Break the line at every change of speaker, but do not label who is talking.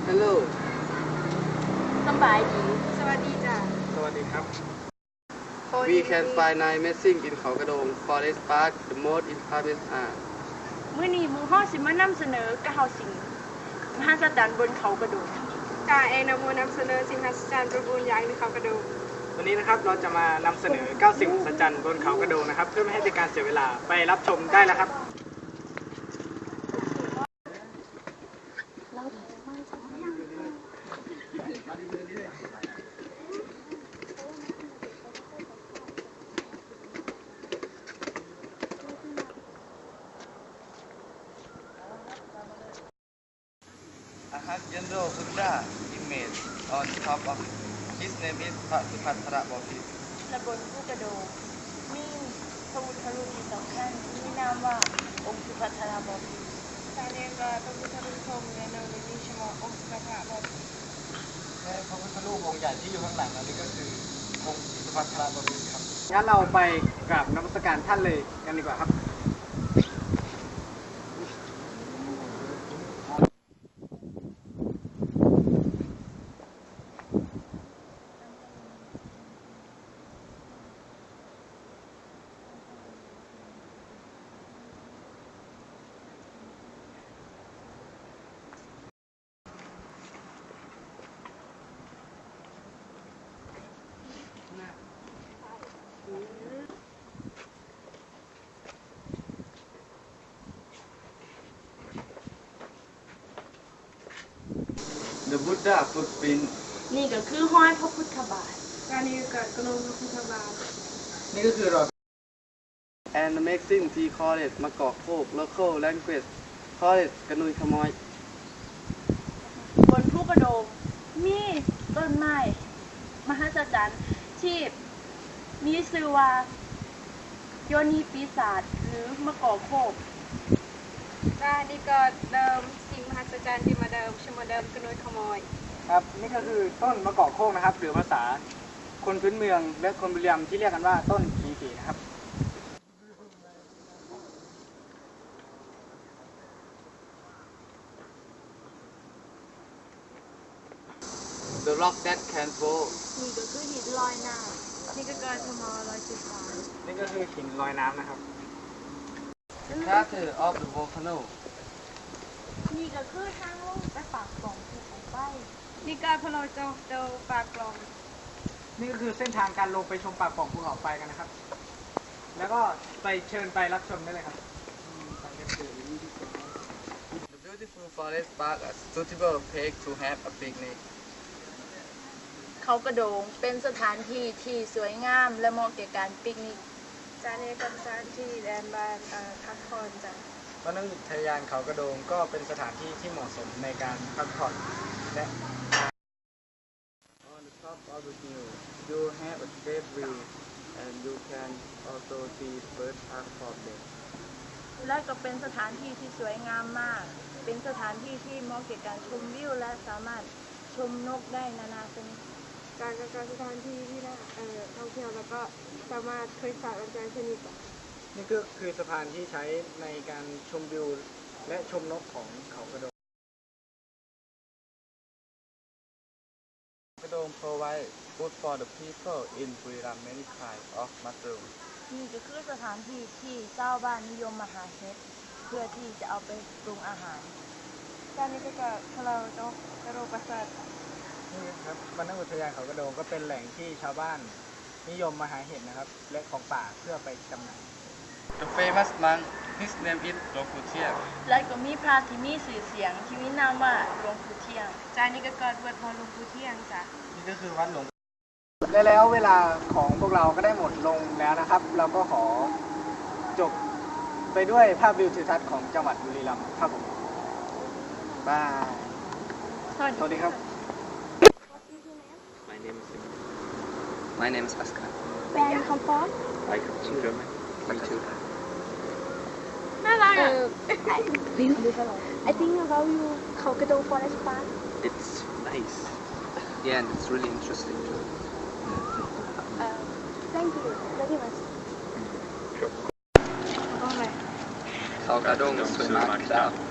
Hello
สบายดี
สวัสดีจ้ะ
สวัสดีครับ
We can find nine missing in เขากระโดง Forest Park the most infamous are
มื้อนี้หมู่ฮ้อสิมานำเสนอกะเฮาสิงมหัศจรรย์บนเขากระโดด
กาเองนำมานำเสนอสิ่งมหัศจรรย์ประบูลอย่างที่เขากระดูก
วันนี้นะครับเราจะมานำเสนอ 9 สิ่งมหัศจรรย์บนเขากระโดงนะครับเพื่อไม่ให้เป็นการเสียเวลาไปรับชมได้แล้วครับ
I have General Buddha image on top of his name is พระสุภัทรบพิตร
และบนผู้กระโดดมีพระพุทธรูปที่สำคัญที่มีนามว่าองค์สุภัทรบพิตร
การเรียนก็พระพุทธรูปทรงในนามนี้ชื่อว่าองค์สุภัทรบพิตร
และพระพุทธรูปองค์ใหญ่ที่อยู่ข้างหลังนั้นก็คือองค์สุภัทรบพิตรครับงั้นเราไปกราบนมัสการท่านเลยกันดีกว่าครับ
The Buddha footprint
นี่ก็คือห้อยพระพุทธบาท
การนี้ก็กระโดงพระพุทธบาท
นี่ก็คือรอย
and the maxim T college มะกอกโคก local language college กระนุยขโมย
บนผู้กระโดดมีต้นไม้มหัศจรรย์ที่มีชื่อว่าโยนีปีศาจหรือมะกอกโคก
การนี้ก็เดิมสิ่งมหัศจรรย์ที่มาเดิมชื่อมาเดิมกระนุยขโมย
ครับนี่ก็คือต้นมะกอกโคกนะครับหรือภาษาคนพื้นเมืองและคนบุรีรัมย์ที่เรียกกันว่าต้นขีนะครับ
The rock that can fall
นี่ก็คือหินลอยน้ำนี่ก็เกิดทมลอยจุดฟ้า
นี่ก็คือหินลอยน้ำนะครับ
Crater of the volcano
นี่ก็คือทางลงไปปากปล่องภูเขาไฟ
นี่ก็พะโลโจเดาปากกลอง
นี่ก็คือเส้นทางการลงไปชมปากปล่องภูเขาไฟกันนะครับแล้วก็ไปเชิญไปรับชมได้เลยครับ
The beautiful forest park is suitable place to have a picnic
เขากระโดงเป็นสถานที่ที่สวยงามและเหมาะแก่การปิกนิก
จานนี้ก็สถานที่แดนบ้านพักผ่อนจ้ะ
วรรณอุทยานเขากระโดงก็เป็นสถานที่ที่เหมาะสมในการพักผ่อนและ
On the top of the hill you have a great view and you can also see birds are spotted
และก็เป็นสถานที่ที่สวยงามมากเป็นสถานที่ที่เหมาะแก่การชมวิวและสามารถชมนกได้นานาชนิด
การสถานที่ที่น่าท่องเที่ยวแล้วก็สามารถเคยฝากกันใจชนิด
นี่ก็คือสะพานที่ใช้ในการชมวิวและชมนกของเขากระโดง
กระโดง provide food for the people in บุรีรัมย์ many kinds of mushroom
นี่ก็คือสถานที่ที่ชาวบ้านนิยมมาหาเห็ดเพื่อที่จะเอาไปปรุงอาหาร
จานนี้ก็พะโลโจกระโดงประสาท
นี่ครับวรรณอุทยานเขากระโดงก็เป็นแหล่งที่ชาวบ้านนิยมมาหาเห็ดนะครับและของป่าเพื่อไปจำหน่าย
The famous monk his name is หลวงปู่เทียน
และก็มีพระที่มีชื่อเสียงที่มีนามว่าหลวงปู่เที่ยง
จานนี้ก็เกิดวัดพอหลวงปู่เที่ยงจ้ะ
นี่ก็คือวัดหลวง
และแล้วเวลาของพวกเราก็ได้หมดลงแล้วนะครับเราก็ขอจบไปด้วยภาพวิวทิวทัศน์ของจังหวัดบุรีรัมย์ครับผมบายสวัสดีครับ
My name is Askar
Where you come from
I come from Germany Me too
น่ารักอ่ะ
I think about you เขากระโดง Forest Park
It's nice Yeah and it's really interesting too
Thank you very much
เขากระโดงสวยมากครับ